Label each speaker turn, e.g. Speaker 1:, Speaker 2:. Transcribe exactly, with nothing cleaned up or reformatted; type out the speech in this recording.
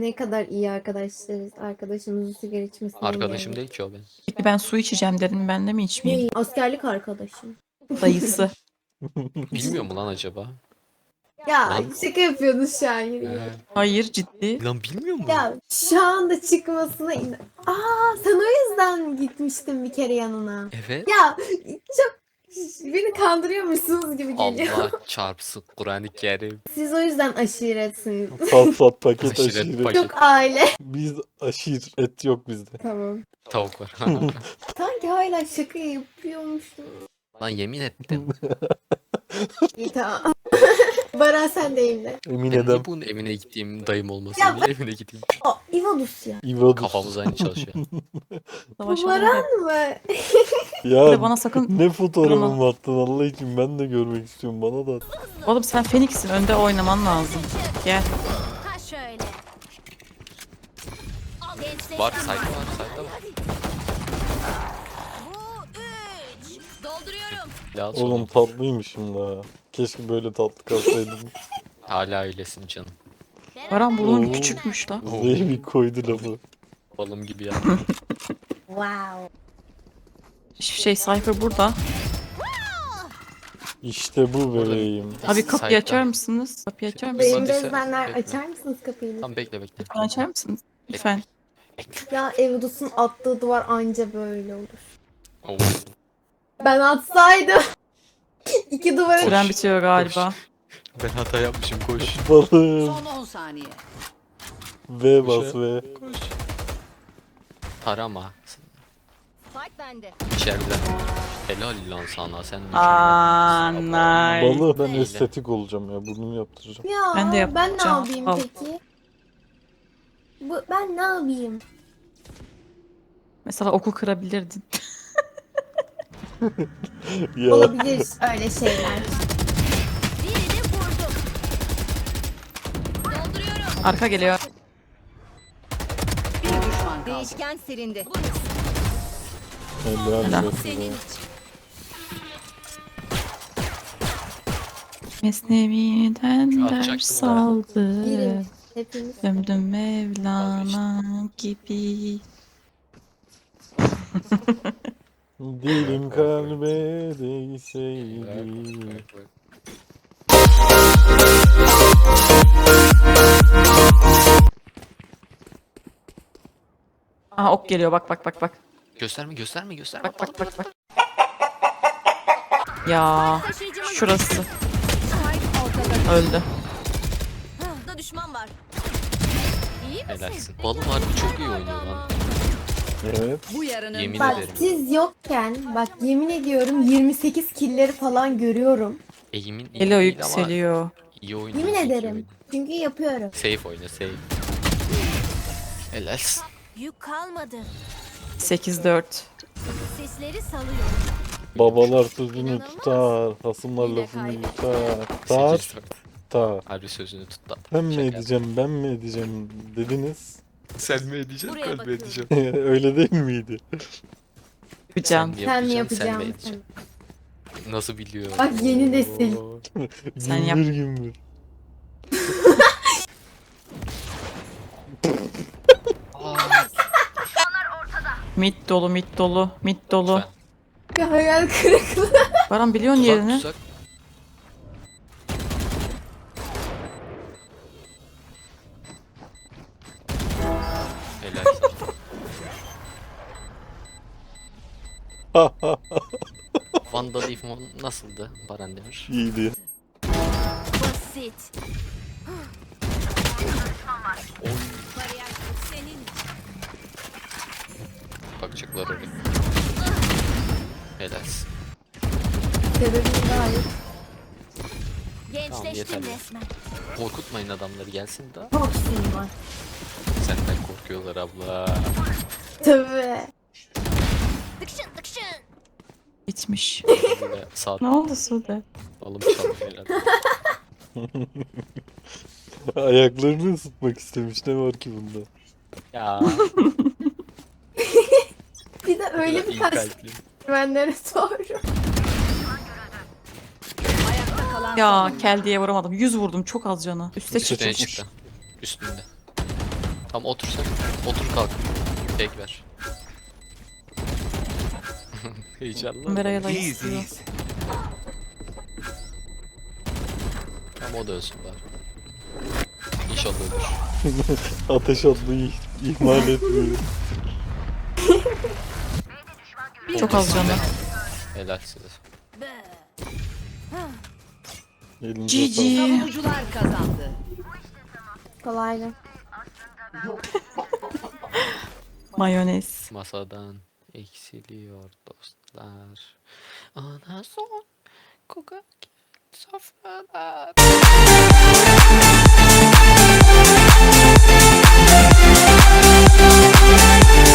Speaker 1: Ne kadar iyi arkadaşlarız. Arkadaşımızın sigara içmesine
Speaker 2: Arkadaşım
Speaker 1: engelledik.
Speaker 2: değil ki o benim.
Speaker 3: Peki ben su içeceğim dedim. Ben de mi içmeyeyim?
Speaker 1: Ne? Askerlik arkadaşım.
Speaker 3: Dayısı.
Speaker 2: Bilmiyor mu lan acaba?
Speaker 1: Ya
Speaker 2: Lan.
Speaker 1: şaka yapıyordun şu an. Yürü git.
Speaker 2: He.
Speaker 3: Hayır ciddi.
Speaker 2: Lan bilmiyor mu?
Speaker 1: Ya şu anda çıkmasına in... Aa sen o yüzden gitmiştin bir kere yanına.
Speaker 2: Evet.
Speaker 1: Ya çok beni kandırıyormuşsunuz gibi geliyor.
Speaker 2: Allah çarpsın Kur'an-ı Kerim.
Speaker 1: Siz o yüzden aşiretsiniz.
Speaker 4: Pat pat paket
Speaker 2: Aşiret
Speaker 4: aşiret.
Speaker 2: paket.
Speaker 1: Çok aile.
Speaker 4: Biz aşiret yok bizde.
Speaker 1: Tamam.
Speaker 2: Tavuk var.
Speaker 1: Sanki hala şaka yapıyormuşum.
Speaker 2: Lan yemin ettim.
Speaker 1: İyi tamam. Baran sen deyim de.
Speaker 4: Emin
Speaker 2: Ben
Speaker 4: edem.
Speaker 2: niye bunun evine gittiğim dayım olmasın
Speaker 1: Ya
Speaker 2: diye evine gideyim.
Speaker 1: Aa, İvadus ya.
Speaker 4: İvadus.
Speaker 2: Kafamız aynı çalışıyor.
Speaker 1: Bu
Speaker 3: Savaş
Speaker 1: Baran mı?
Speaker 3: Bir de
Speaker 4: Ya
Speaker 3: bana sakın...
Speaker 4: ne fotoğrafımı
Speaker 3: Bana-
Speaker 4: attın Allah için ben de görmek istiyorum bana da at.
Speaker 3: Oğlum sen Phoenix'in önde oynaman lazım. Gel.
Speaker 5: Ha şöyle. Gençleştim
Speaker 2: Var sayda var sayda var.
Speaker 5: Bu üç. Dolduruyorum.
Speaker 2: Lazım.
Speaker 4: Oğlum tatlıymışım da. Keşke böyle tatlı kalsaydım.
Speaker 2: Hala öylesin canım.
Speaker 3: Baran burnun
Speaker 4: Oo.
Speaker 3: küçükmüş la.
Speaker 2: Oo.
Speaker 4: Zeybi koydu lafı.
Speaker 2: Balım gibi ya.
Speaker 1: Wow.
Speaker 3: Hiçbir şey Cypher burada.
Speaker 4: İşte bu bebeğim.
Speaker 3: Abi kapıyı
Speaker 2: Sayda.
Speaker 3: açar mısınız? Kapıyı açar mısınız?
Speaker 1: Benim
Speaker 2: Hadi sen-
Speaker 1: gözlemler
Speaker 2: bekle.
Speaker 1: açar mısınız kapıyı?
Speaker 2: Tamam bekle bekle.
Speaker 3: Lütfen açar mısınız? Lütfen.
Speaker 1: Ya Evdus'un attığı duvar anca böyle olur.
Speaker 2: Oo.
Speaker 1: Ben atsaydım. İki duvara
Speaker 3: Süren bitiyor galiba.
Speaker 2: Ben hata yapmışım koş.
Speaker 4: Balım.
Speaker 5: Son on saniye.
Speaker 4: V bas V.
Speaker 2: Koş. Tarama.
Speaker 5: Fight bende.
Speaker 2: İçeride. Helal lan sana sen.
Speaker 3: Aaa nice.
Speaker 4: Balı ben
Speaker 2: Neyle?
Speaker 4: estetik olacağım ya burnumu yaptıracağım.
Speaker 1: Ya
Speaker 3: Ben de
Speaker 1: ben ne
Speaker 3: yapacağım.
Speaker 1: yapayım
Speaker 3: Al.
Speaker 1: peki? Bu, ben ne yapayım?
Speaker 3: Mesela oku kırabilirdin.
Speaker 4: Ya
Speaker 1: Olabilir öyle şeyler.
Speaker 5: Birini vurdum. Dolduruyorum.
Speaker 3: Arka geliyor.
Speaker 5: Bir düşman kaldı. Değişken silindi.
Speaker 4: helal
Speaker 3: Helal.
Speaker 4: olsun
Speaker 5: Senin
Speaker 4: be.
Speaker 5: için.
Speaker 3: Mesnevi'den
Speaker 2: Atacaktım
Speaker 3: ders
Speaker 2: da.
Speaker 3: aldı.
Speaker 1: Girin. Hepimiz.
Speaker 3: Döndüm Mevlana gibi.
Speaker 4: Dilim kalbe değseydi.
Speaker 3: Aha ok geliyor bak bak bak bak.
Speaker 2: Gösterme gösterme gösterme.
Speaker 3: Bak bak bak bak. Ya
Speaker 5: Taşıyıcımız
Speaker 3: şurası
Speaker 5: Spike ortada.
Speaker 3: öldü.
Speaker 5: Da düşman var. İyi misin?
Speaker 2: Helalsin. Balım harbi çok iyi oynuyor lan.
Speaker 4: Evet.
Speaker 5: Bu yarının
Speaker 2: Yemin
Speaker 1: Bak
Speaker 2: ederim.
Speaker 1: siz yokken bak yemin ediyorum yirmi sekiz killleri falan görüyorum.
Speaker 2: Eğimin iyi
Speaker 3: Geliyor
Speaker 2: değil ama
Speaker 3: yükseliyor.
Speaker 2: iyi oynuyor.
Speaker 1: Yemin
Speaker 2: zeki
Speaker 1: ederim.
Speaker 2: oynuyor.
Speaker 1: Çünkü yapıyorum.
Speaker 2: Safe oyna safe. Helalsin.
Speaker 5: yük kalmadı.
Speaker 3: sekiz dört.
Speaker 5: Sesleri salıyorum.
Speaker 4: Babalar sözünü
Speaker 5: İnanılmaz.
Speaker 4: tutar, hasımlar
Speaker 5: Yine
Speaker 4: lafını
Speaker 5: kaybettim.
Speaker 4: yutar. Tar,
Speaker 2: sekiz dört.
Speaker 4: tar.
Speaker 2: Harbi sözünü tut lan.
Speaker 4: Ben mi
Speaker 2: Şaka
Speaker 4: edeceğim, ben mi edeceğim dediniz.
Speaker 2: yaptım. Sen mi edeceksin
Speaker 5: Buraya
Speaker 2: ben mi
Speaker 5: bakıyorum.
Speaker 2: edeceğim?
Speaker 4: Öyle değil miydi?
Speaker 3: Yapacağım.
Speaker 1: Sen mi
Speaker 2: yapacaksın, sen mi
Speaker 1: yapacaksın?
Speaker 2: edeceksin? Nasıl biliyor?
Speaker 1: Bak yeni nesil.
Speaker 2: Oo.
Speaker 3: Sen yap.
Speaker 4: Gümbür gümbür.
Speaker 3: Mid dolu mid dolu mid dolu.
Speaker 2: Lütfen.
Speaker 1: Bir hayal kırıklığı.
Speaker 3: Baran biliyorsun
Speaker 2: Tuzak
Speaker 3: yerini.
Speaker 2: tuzak. Helal. Vandal Ifmon nasıldı Baran Demir?
Speaker 4: İyiydi.
Speaker 5: Basit.
Speaker 2: Oy.
Speaker 5: Bariyer senin için.
Speaker 2: Bakacaklar oraya. Helalsin.
Speaker 1: Sebebim gayet
Speaker 5: Gençleştim
Speaker 2: yeterli.
Speaker 5: resmen.
Speaker 2: Korkutmayın adamları gelsin daha.
Speaker 1: çok sinir var.
Speaker 2: Senden korkuyorlar abla.
Speaker 1: Tabii.
Speaker 5: Tıkşın tıkşın.
Speaker 3: Bitmiş.
Speaker 2: Böyle sağ
Speaker 3: Ne oldu Sude?
Speaker 2: alım çalıyor herhalde.
Speaker 4: Ayaklarını ısıtmak istemiş. Ne var ki bunda?
Speaker 2: Ya.
Speaker 1: Bir de öyle bir
Speaker 2: iyi
Speaker 1: kaç
Speaker 2: kalpli.
Speaker 1: güvenlere doğru.
Speaker 5: Ayakta kalan
Speaker 3: Ya kel diye vuramadım. yüz vurdum çok az canı. Üste
Speaker 2: Üstüne
Speaker 3: çıkmış.
Speaker 2: çıktı. Üstünde. Tamam otur sen. Otur kalk. Tek ver. Heyecanlı.
Speaker 3: Merayla istiyor.
Speaker 2: Tamam o da ölsün bari. İnşallah ölür.
Speaker 4: Ateş atmayı ihmal etmiyor.
Speaker 3: Çok az canı.
Speaker 2: Helal size.
Speaker 4: Elinize
Speaker 3: G
Speaker 4: sağlık.
Speaker 3: G.
Speaker 5: Savunucular kazandı.
Speaker 1: Kolaydı.
Speaker 3: Mayonez.
Speaker 2: Masadan eksiliyor dostlar. Ana son koka sofralar.